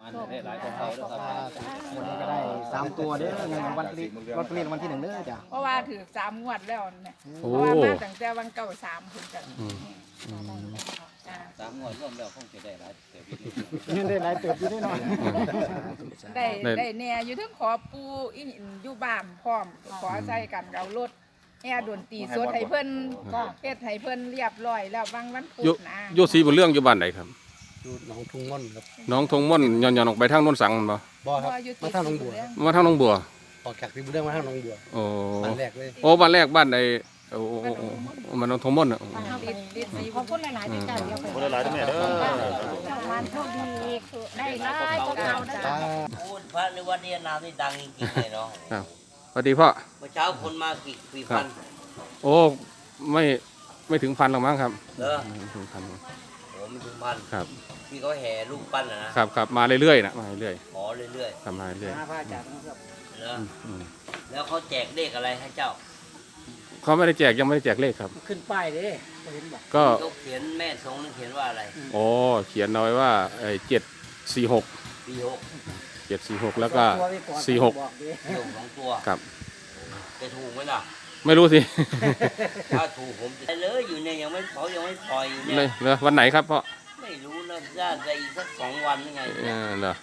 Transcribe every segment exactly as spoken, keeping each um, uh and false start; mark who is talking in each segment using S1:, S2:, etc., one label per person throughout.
S1: อันได้หลายของเขาด้วยครับ
S2: วันนี้ก็ได้สามตัวเด้อเงินรางวัลที่ลอตเตอรี่รางวัลที่หนึ่งเด้อจ้ะ
S3: เพราะว่าถือสามงวดแล้วเนี่ยเพ
S4: โอ้
S3: ราะว่ามาตั้งแต่วันเก่าสามถึงจะ
S4: อืม
S3: จ้า
S1: สามงวดรวมแล้วคงจะได้หลายเติบอยู่
S2: เงินได้หลายเติบอยู่แน่นอน
S3: ได้ได้แน่อยู่ถึงขอปูอีอยู่บ้านพร้อมขอใส่กันเอารถแอร์ดนตรีสดให้เพิ่นเฮ็ดให้เพิ่นเรียบร้อยแล้วบางวันพุ
S4: อยู่
S3: ธนะ
S4: อยู่สีบุญเรื่องอยู่บ้านไหนครับ
S2: อยู่หนองทุ่งม่อนครับ
S4: น้องทงม่อนย้อนๆออกไปทางโน้นสังมันบ่
S2: บ่ครับมาทางหนองบัว
S4: มาทางหน้องบัว
S2: ออกจากที่บุญเรื่องมาทางหนองบัว
S4: โอ้
S2: บ้านแรกเลย
S4: โอ้บ้านแรกบ้านใดโอ้โอ้โอ้โอ้มันน้องทงม่อนอ่ะ
S3: ติดติดสี
S5: ขอบคุณหลายๆที่จ่ายเดียวไป
S6: คนละหลายทั้งแม่เด้อ
S5: วันโชคดีได้ไล่ก็เก่าได้
S2: จ้า
S7: พูดพระในวันนี้น้ำนี่ดังจริงๆเลยเนาะ
S4: ครับสวัสดีพ่อ
S7: เมื่อเช้าคนมากี่กี่พัน
S4: โอ้ไม่ไม่ถึงพันหรอกมั้งครับ
S7: เด้อ
S4: ไม่ถึงพัน
S7: โอ้ไม่ถึงพัน
S4: ครับ
S7: ที่เขาแห่ลูกปั้นนะนะครับ
S4: ครับมาเรื่อยๆนะมาเรื่อย
S7: ขอเรื่อย
S4: ๆครับมาเรื่อย
S2: พระอาจารย์นะครับ
S7: ๆเด้อ
S4: ๆอืม
S7: แล้วเขาแจกเลขอะไรให้เจ้า
S4: เขาไม่ได้แจกยังไม่ได้แจกเลขครับ
S2: ขึ้นป้ายเด้บ่เห็นบ่
S4: ก็
S7: ยกเขียนแม่ทรงนึงเขียนว่าอะไร
S4: โอ้เขียนเอาไว้ว่าเจ็ดสี่หก
S7: ปีหก
S4: เจ็ดสี่หกแล้วก็สี่หก
S2: บอกเด้
S7: ปีหกสองตัว
S4: ครับ
S7: จะถูกไหมล่ะ
S4: ไม่รู้สิ
S7: ถ้าถูกผมจะเลยอยู่เนี่ยยังไม่เขายังไม่ปล่อยอยู่
S4: เล
S7: เนี่ย ย
S4: เหรอวันไหนครับพ่อ
S7: ไม่รู้นะน่าจะอีกสักสองวันยังไง
S4: เออเหรอ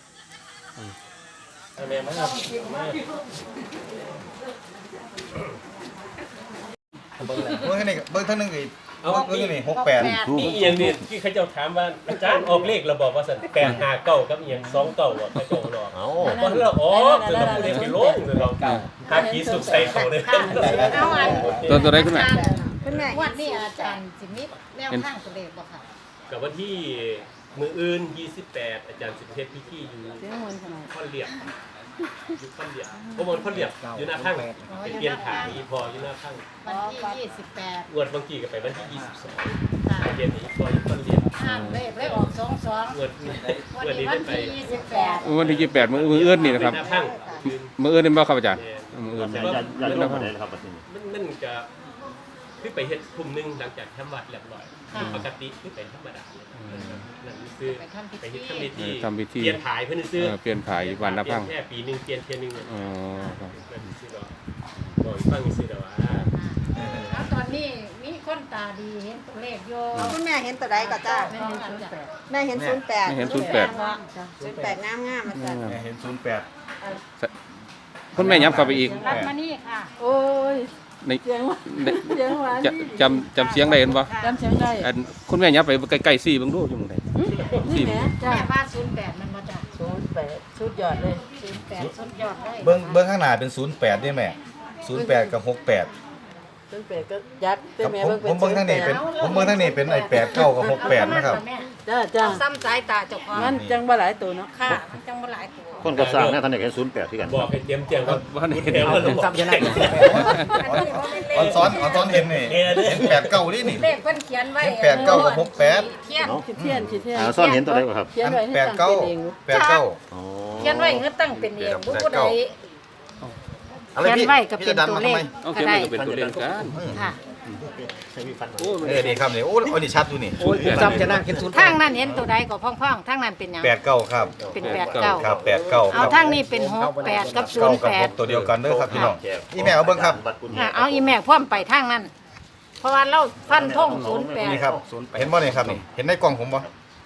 S8: เบิ้งท่านนี่เบิ้งท่านนึงอีกเบิ้งเบิ้งท่านนี่หกแปด
S6: นี่อีหยังนี่ที่เขาเจ้าถามว่าอาจารย์ออกเลขเราบอกว่าสั่นแปดห้าเก้ากับอีหยังสองเก้าอ่ะเขาเจ้าหลอกเอาเพราะเราอ๋อคือเราพูดเองไปโลงเลยเราหาขีสุกใส่เขาเลย
S5: เอาอัน
S4: ตัวตัวไหนขึ้นมา
S5: คุณแม่วันนี้อาจารย์สิมิแนวข้างตัวเลขบ่ค่ะ
S6: กับวันที่มืออื่นยี่สิบแปดอาจารย์สิบเทศพิธีอยู่ข้อนเหลียบอยู่ข้อนเหลียบโอ้มันข้อนเหลียบอยู่หน้าข้างเป็นเปลี่ยนขายอีพออยู่หน้าข้าง
S5: วันที่ยี่สิบแปด
S6: งวดบางกีก็ไปวันที่ยี่สิบสองเปลี่ยนอีพออยู่ข้อนเหลียบ
S5: ข้างเลขเลขออกสองสอง
S6: งวด
S5: วัน
S6: งวด
S5: นี้
S6: นี้
S5: วั
S6: ได้
S5: น
S6: ไป
S5: ที่ยี่สิบแปด
S4: วันที่ยี่สิบแปดมือมือเอื้อนนี่นะครับ
S6: หน้าข้าง
S4: มือเอื้อนนี่บ่ครับอาจารย์มือเอื้อน
S6: อย่าอย่าลงมาเลยครับมันมันจะขึ้นไปเฮ็ดกลุ่มหนึงหลังจากทำวัดเรียบร้อยปกติขึ้นไปธรรมดานั่นคือไปเฮ็ดทำพิธี
S4: ทำพิธี
S6: เปลี่ยนถ่ายเพื่อนซื้อ
S4: เออเปลี่ยนผ่ายวันละพัง
S6: แค่ปีหนึงเปลี่ยนเทียนหนึง
S4: อ๋อครับ
S6: เพื่อนซื้อดอกบอกฟังซื้อดอกว่า
S5: แล้วตอนนี้มีคนตาดีเห็นตัวเลขอยู่
S9: คุณแม่เห็นตัวใดก็จ้า
S5: แม่เห็นศูนย์แปด
S9: แม่เห็นศูนย์แปด
S4: ไม่เห็นศูนย์แปด
S9: ศูนย์แปดงามงามๆมาจ้ะ
S8: เนี่ยเห็นศูนย์แปด
S4: คุณแม่ย้ำเข้าไปอีก
S5: รัดมานี่ค่ะ
S9: โอ้ย
S4: ใน
S9: เสียงหวาน
S4: ใน
S9: เสียงหวาน
S4: จะจำจำเสียงได้เห็นปะ
S9: จำเสียงได้
S4: อันคุณแม่ย้ำไปใกล้ๆซี่เบิ่งดูอยู่หมึงได
S9: นี่แหม่จ้า
S5: แม่ว่าศูนย์แปดมันมาจาก
S9: ศูนย์แปดสุดยอดเลย
S5: ศูนย์แปดสุดยอดเลย
S8: เบิ้งเบิ้งข้างหน้าเป็นศูนย์แปดนี่แม่ศูนย์แปดกับหกแปด
S9: ศูนย์แปดก็ยัด
S8: ครับ
S9: แม่
S8: ผม
S9: เบิ่ง
S8: ผมเบิ้งทางนี้เป็นผมเบิ้งทางนี้เป็นไอ้แปดเก้ากับหกแปดนะครับ
S9: จ้าจ้า
S5: ซ้ำสายตาเจ้าของ
S9: งั้นจังบ่หลายตัวเนาะ
S5: ค่ะมันจังบ่หลายตัว
S6: คนกับสร้างนะท่านเอกเห็นศูนย์แปดที่กันบอกให้เตรียมเตรียมครับว่าเห็นเห็นว่า
S2: ซับชนะ
S8: ออนซ้อนออนซ้อนเห็นนี่เห็นแปดเก้านี่นี่
S5: เลขเพิ่นเขียนไว้
S8: แปดเก้ากับหกแปด
S5: เขียน
S9: ขี้เทียนขี้เทียน
S6: ซ่อนเห็นตัวใดครับ
S9: เขียน
S8: อัน
S9: ไว้ให้
S8: แปด
S9: ตั้ง
S8: เก้า
S9: เป็นเอง
S8: แปดเก้า
S5: เขียนไว้คือตั้งเป็นเองผู้ผู้ใด
S8: อะไร
S5: เขียน
S8: พี่
S5: ไว้ก็
S8: พี่
S5: เป็
S8: จะ
S5: น
S8: ดัน
S5: ตัว
S8: มา
S5: เล
S8: ทำ
S5: ข
S8: ไม
S4: เอาเขียนมันก็เป็นตัวเลขกัน
S5: ค่ะ
S4: โอ้
S8: เออนี่ครับนี่โอ้อันนี้ชัดดูนี่
S2: โอ้ยซับชนะเห็นศูนย์แป
S5: ทาง
S2: ด
S5: นั้นเห็นตัวใดก็พ่องๆทางนั้นเป็นหยัง
S8: แปดเก้าครับ
S5: เป็นแปดเก้า
S8: ครับแปดเก้าค
S5: เอา
S8: รับ
S5: ทางนี้เป็นหกแปดกับศู
S8: เก้าน
S5: ย์
S8: กับ
S5: แป
S8: ห
S5: ด
S8: กตัวเดียวกันเด้อครับพี่น้องนี่แม่เอาเบิ้งครับ
S5: ค่ะเอาอีแม่พ่วมไปทางนั้น เพราะว่าเราฟันธงศูนย์แปด
S8: นี่ครับเห็นบ่นี่ครับนี่เห็นในกล่องผมบ่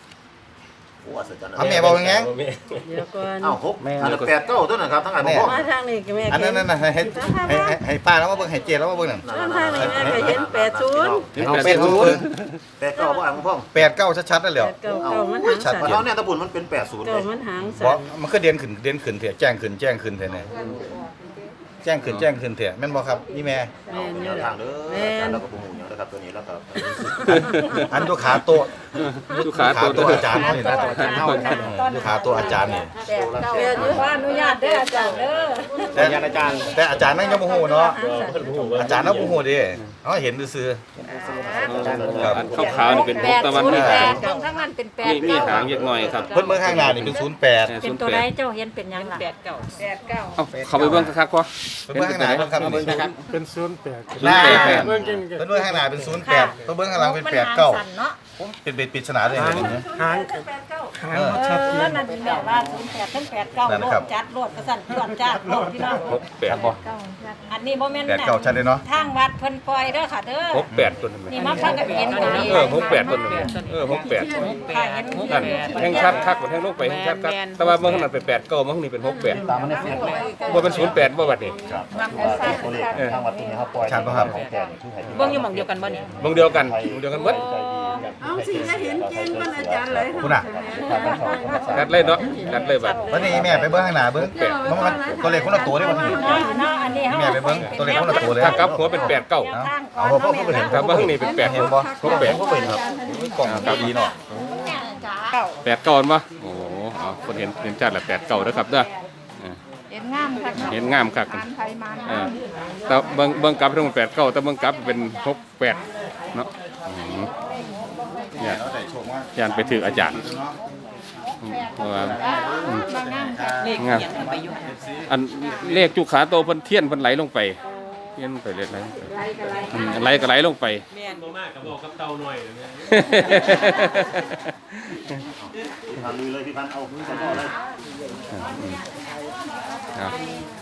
S8: เอาแม่บอกยังไง
S9: เดี๋ยวก่อน
S6: อ้าวหกอันแปดเก้าตัวนะครับทั้งอัน
S8: แม่
S9: มาทางนี้ก็แม่
S8: อันนั้นน่ะให้ให้ให้ให้ให้ป้าแล้วมาเบิ่งให้เจแล้วมาเบิ่งนั่น
S9: ทางนี้แม่ก็เห็นแปดศูนย์
S8: เอาแปดศูนย์
S6: แปดเก้าว่าอังพ่อง
S8: แปดเก้าชัดๆนั่นแหละ
S9: แปดเก้าเก้ามันหาง
S8: ชั
S9: สั่
S8: ด
S9: น
S6: เพราะเนี่ยตะบุญมันเป็นแปดศูนย์เล
S9: เก้าย มันหาง
S8: เพ
S9: สั่
S8: ราะ
S9: น
S8: มันคือเด่นขึ้นเด่นขึ้นเถอะแจ้งขึ้นแจ้งขึ้นเถอะเนี่ยแจ้งขึ้นแจ้งขึ้นเถอะแม่นบ่ครับนี่แม่
S9: แม่นอยู่
S6: ทางเด้ออาจารย์เราก็ปูหมูอย่างนะครับตัวนี้แล้วก็
S8: อันดูขาโตะ
S4: ลูกค้า
S8: ขา
S4: ตัว
S8: ตัวอาจารย์เขานี่นะดูขาตัวอาจารย์นี่
S5: แปดเก้าขออนุญาตเด้ออาจารย์เด้อ
S8: แต่อาจารย์แต่อาจารย์นั่งยังบ่ฮู้เนาะอาจารย์นั่งบ่ฮู้ดิเฮาเห็นซื่อๆครับ
S4: อันขาวๆนี่เป็น
S5: แป
S4: พวก
S5: ด
S4: ตะวัน
S5: ศูนย์
S4: อ
S5: แป
S4: อ
S5: ดตรงทั้งนั้นเป็นแปด
S4: มีมี
S5: เก้า
S4: หางเล็กน้อยครับ
S8: เพิ่นเบิ่งข้างหน้านี่เป็นศูนย์แปด
S5: เป็นตัวใดเจ้าเห็นเป็นหยังล่ะแปดเก้าแปดเก้า
S4: เอาเข้าไปเบิ่งคักๆพอ
S8: เพิ่นเบิ่งข้างหน้าเพิ่นครับนี่
S2: เป็นศูนย์แปด
S8: หน้า
S4: แปด
S8: เพิ่นเบิ่งข้างหน้าเป็นศูนย์แปดเพิ่นเบิ่งข้างหลังเป็นแปดเก้า
S5: มันหงสั่นเนาะ
S8: เป็นปริศนาเลยเห็นไหม
S2: หาง
S5: แปดเก้า
S2: ค้าง
S8: เออ
S2: ชัดเจ
S5: เออน นั่นแม่ว่าศูนย์แปดทั้งแปดเก้า
S8: นั่น
S5: โล
S8: ครั
S5: ด
S8: บ
S5: จัดโลดกระสั่นตรวจจัดโลดพี่น้อง
S4: หกแปดบ่
S5: อันนี้บ่แม่น
S8: แปดเก้าชัดเลยเนาะ
S5: ทางวัดเพิ่นปล่อยเด้อค่ะเด้อ
S4: หกแปดตัวนึง
S5: นี่มาฟังกันเห็นตัวนี้
S4: เออหกแปดตัวนึงเออหกแปด
S5: ค่ะเห็น
S4: นั่นแห่งชัดคักกว่าแห่งลงไปแห่งชัดคักแต่ว่าเมื่อขนาดเป็นแปดเก้าเมื่อนี่เป็นหกแปด
S2: ตามมันในเฟซเลย
S4: บ่เป็นศูนย์แปดบ่บัดนี้
S2: ตัวเลขทางวัดตัวนี้เขาปล่อย
S8: ชัดป่ะครับ
S2: ของแก่ที่ให้
S9: เบิ่งอยู่หม่องเดียวกันบ่นี่
S4: วงเดียวกันวงเดียวกันหมด
S9: เอาสิจะเห็นเก่งมันอาจารย์เลย
S8: คุณอ่ะ
S4: กัดเลยเนาะกัดเลยบัด
S8: วันนี้แม่ไปเบิ้งข้างหน้าเบิ้งมันมันตัวเลขคนละตัวได้วันนี้
S5: เนาะเนาะอันนี้เฮา
S8: แม่ไปเบิ่งตัวเลขคนละตัวเลย
S4: ถ้ากลับหัวเป็นแปดเก้า
S8: เอาเพราะเพราะเห็น
S4: ถ้าเบิ่งนี่เป็นแปด
S8: เห็นบ่
S4: หกแปด
S8: ผมก็เห็นครับกล่องกับดีเนาะ
S4: แปดเก้าบ่โอ้โหเอาคนเห็นเห็นชัดแหละแปดเก้าเด้อครับเด้อ
S3: เห็นงามคัก
S4: เห็นงามคัก
S3: มันไทยมัน
S4: เออแต่เบิ่งเบิ่งกลับตรงแปดเก้าแต่เบิ่งกลับเป็นหกแปดเนาะอืมเนี่ยยานไปถืออาจารย์อืมเพราะว่าอืม
S3: บางงามคัก
S9: เลข
S4: งาม
S9: เขียนขึ้นไปอยู่
S4: อันเลขจุกขาโตเพิ่นเทียนเพิ่นไหลลงไปเทียนไปเลยไหลลงไปอืมไหลก็ไหลลงไป
S9: แม่น
S6: บ่มากกับบอกกับเตาหน่อยนะเนี่ย
S2: ทำลุยเลยพี่พันเอาขึ้นก่อนเลย
S4: ครับ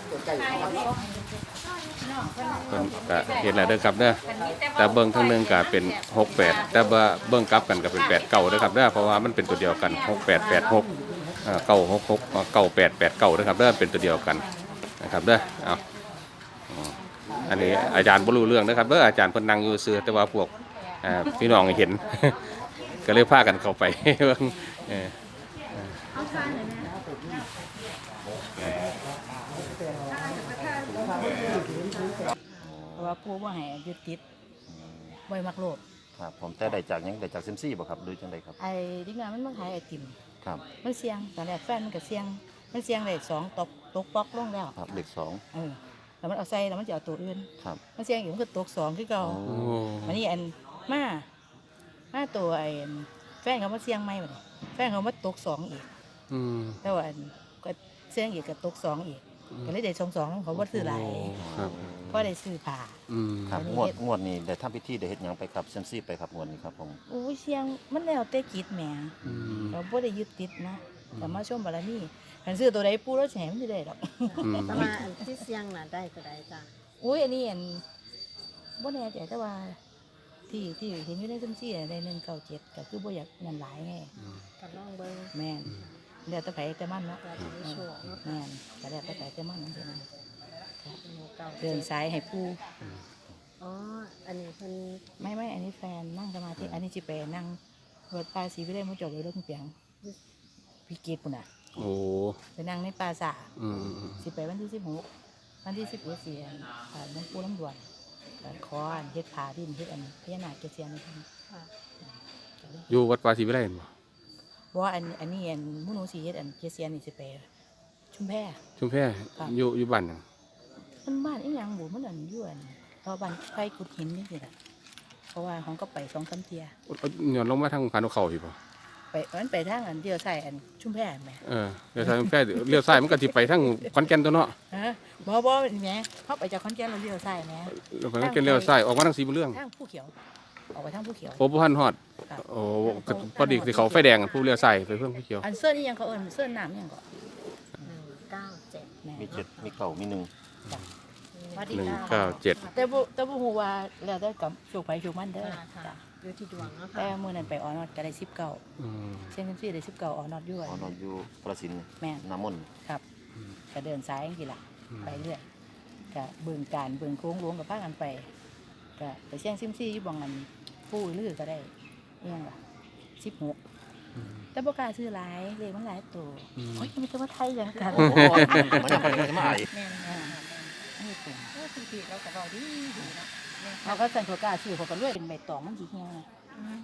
S4: เพิ่นก็เห็นแล้วเด้อครับเด้อแต่เบิ่งทั้งหนึงก็เป็นหกแปดแต่ว่าเบิ่งกลับกันก็เป็นแปดเก้าเด้อครับเด้อเพราะว่ามันเป็นตัวเดียวกันหกแปดแปดหกเอ่อเก้าหกหกเก้าแปดแปดเก้าเด้อครับเด้อเป็นตัวเดียวกันนะครับเด้อเอาอืมอันนี้อาจารย์บ่รู้เรื่องนะครับเด้ออาจารย์เพิ่นนั่งอยู่ซื่อแต่ว่าพวกอ่าพี่น้องเห็น ก็เลยพากันเข้าไป เบิ่งเออ
S5: เพราะว่าผู้บ่ให้ยึดติดบ่มักโลภ
S2: ครับผมแต่ได้จากยังได้จากเซมซี่บ่ครับหรือจังไดครับ
S5: ไอ้ดิงานมันมาขายไอติม
S2: ครับ
S5: มันเสี่ยงตอนแรกแฟนมันก็เสี่ยงมันเสี่ยงได้สองตกตกปอกลงแล้ว
S2: ครับเลขสอง
S5: เออแล้วมันเอาใส่แล้วมันจะเอาตัวอื่น
S2: ครับ
S5: มันเสี่ยงอยู่มันก็ตกสองคือเก่า
S2: โอ้
S4: โอ้
S5: วันนี้อันมามาตัวไอ้แฟนเขามาเสี่ยงใหม่บัดนี้แฟนเขามาตกสองอีก
S4: อืม
S5: แต่ว่าอันก็เสี่ยงอีกก็ตกสองอีกก็เลยได้สองสองเขาบ่ซื้อหลาย
S4: ครับ
S5: เพราะได้ซื้อผ้า
S4: อืม
S2: ครับงวดงวดนี้ได้ทำพิธีได้เฮ็ดหยังไปครับเซมซี่ไปครับงวดนี้ครับผม
S5: อู้เสี่ยงมันแล้วแต่จิตแหม
S4: อืม
S5: เราบ่ได้ยึดติดนะแต่มาชมบารมีคันซื้อตัวใดปูแล้วแฉมันจะได้ดอก
S4: อืม
S9: แต่ว่าอันที่เสียงน่ะได้ก็ได้จ้ะ
S5: อุ้ยอันนี้อันบ่แน่ใจแต่ว่า ที่ที่เห็นอยู่ในซุ้มซี่ในหนึ่งเก้าเจ็ดก็คือบ่อยากเงินหลายไง
S9: ก็ลองเบิ่ง
S5: แม่นเดี๋ยวแต่ไปแต่มันเนาะ
S9: ก็สิได้โชคเนาะ
S5: แม่นก็แล้วแต่ไปแต่มันนั่นสินะ
S9: เก้า
S5: เดินสายให้ปู
S9: อ๋ออันนี้เพิ่น
S5: ไม่ไม่อันนี้แฟนนั่งสมาธิอันนี้จิไปนั่งรถปลาสีวิไลมุจบเลยรถเปียงพี่กีดปุ่นอ่ะ
S4: โอ้
S5: ไปนั่งในปลาสา
S4: อืมอืม
S5: สิไปวันที่สิบหกวันที่สิบเอ็ดเสียนอ่าน้องปูน้ำด่วนก็ขออันเฮ็ดผาดินเฮ็ดอันพญานาคเกษียณนะครับ
S9: ค่ะ
S4: อยู่วัดปาศรีวิไลบ่
S5: เพราะว่าอันอันนี้อันหมุนูสีเฮ็ดอันเกษียณนี่สิไปชุมแพ
S4: ชุมแพอยู่อยู่บ้านหยัง
S5: มันบ้านอีหยังบุมันอันอยู่อันเพราะบ้านไฟกุดหินนี่สิล่ะเพราะว่าของก็ไปสองสามเทีย
S4: ย้อนลงมาทางพานเขาพี่บ่
S5: ไปมันไปทางอันเดียวใส่อันชุมแพแหม่
S4: เออเลี้ยวซ้ายชุมแพเลี้ยวซ้ายมันก็สิไปทางขอนแก่นตัวเนาะ
S5: ฮะบ่บ่แหม่เขาไปจากขอนแก่นเราเดียวใส่แหม่
S4: แล้วขอนแก่นเลี้ยวซ้ายออกมาทางสีบุญเรื่อง
S5: ทางผู้เขียวออกไปทางผู้เขียว
S4: โอ้บ่ทันฮอดโอ้ก็พอดีสิเขาไฟแดงอะผู้เลี้ยวซ้ายไปเพิ่งผู้เขียว
S5: อันเสื้อนี่ยังเขาเอิ้นเสื้อน้ำยังก็
S9: หนึ่งเก้าเจ็ด
S5: แหม่
S2: มีเจ็ดมีเก้ามีหนึ่ง
S5: สวัสดี
S4: หนึ่ง
S5: ค่ะ
S4: เก้าเจ็ด
S5: แต่บ่แต่บ่ฮู้ว่าแล้วแต่กับโชคไผโชคมันเด้อ
S9: ค่ะค่ะ
S5: จ้ะ
S9: อยู่ที่ดวงเนาะ
S5: แต่
S9: ค่ะ
S5: มื้อนั้นไปออนอดก็ได้สิบเก้า
S4: อืม
S5: เส้นซี่ได้สิบเก้าออนอดอยู่
S2: อ๋อนอนอยู่กระสินธุ์
S5: แม่น
S2: น้ำมนต์
S5: ครับก็เดินซ้ายจังซี่ล่ะไปเรื่อยก็เบิ่งการเบิ่งโค้งหลวงกับพากันไปก็ไปเสี่ยงซิมซี่อยู่บ่องอันปู่ลือก็ได้อีหยังล่ะสิบหกแต่บ่กล้าซื้อหลายเลขมันหลายตัวโอ้ยมันจะมาไทยหยังกัน
S2: มันยังไปมาไอ้
S5: แม่นอ่าอันนี้เป็น
S3: โอ้ยพี่ๆเราก็เว้าดีดีเนาะ
S5: เขาก็สั่นเขากล้าซื้อเขาก็รวยเป็นใบตองมันสิเฮีย